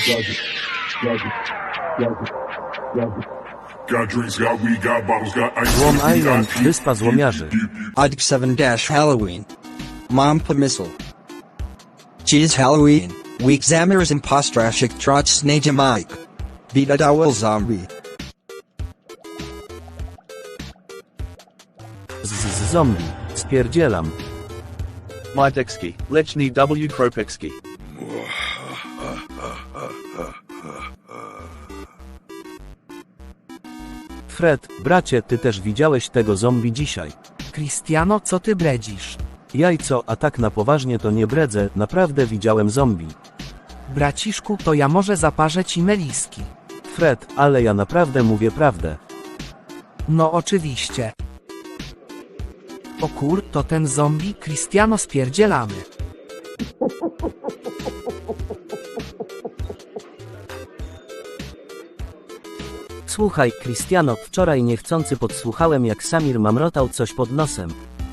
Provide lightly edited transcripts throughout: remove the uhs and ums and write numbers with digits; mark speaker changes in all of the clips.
Speaker 1: Got drinks, got weed, got bottles, got ice.
Speaker 2: Złom Island, wyspa złomiarzy.
Speaker 3: Odd 7-Halloween. Mam pomysł. Cheese Halloween. Week zamers impostraszek trot Mike. Bida dowel zombie.
Speaker 2: Z zombie. Spierdzielam.
Speaker 4: Majtekski, Lechny W. Kropecki.
Speaker 2: Fred, bracie, ty też widziałeś tego zombie dzisiaj.
Speaker 5: Cristiano, co ty bredzisz?
Speaker 2: Jajco, a tak na poważnie to nie bredzę, naprawdę widziałem zombie.
Speaker 5: Braciszku, to ja może zaparzę ci meliski.
Speaker 2: Fred, ale ja naprawdę mówię prawdę.
Speaker 5: No oczywiście. O kur, to ten zombie, Cristiano, spierdzielamy.
Speaker 2: Słuchaj, Cristiano, wczoraj niechcący podsłuchałem, jak Samir mamrotał coś pod nosem.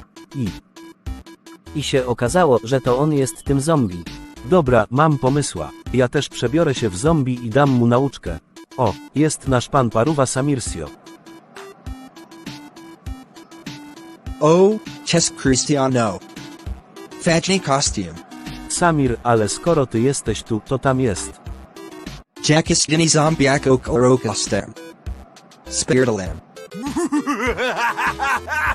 Speaker 2: I się okazało, że to on jest tym zombie. Dobra, mam pomysła. Ja też przebiorę się w zombie i dam mu nauczkę. O, jest nasz pan Paruwa Samirsio.
Speaker 3: Oh, Ches Cristiano. Fajny costume.
Speaker 2: Samir, ale skoro ty jesteś tu, to tam jest.
Speaker 3: Jackistini zombiako korokastem. Spiritalem.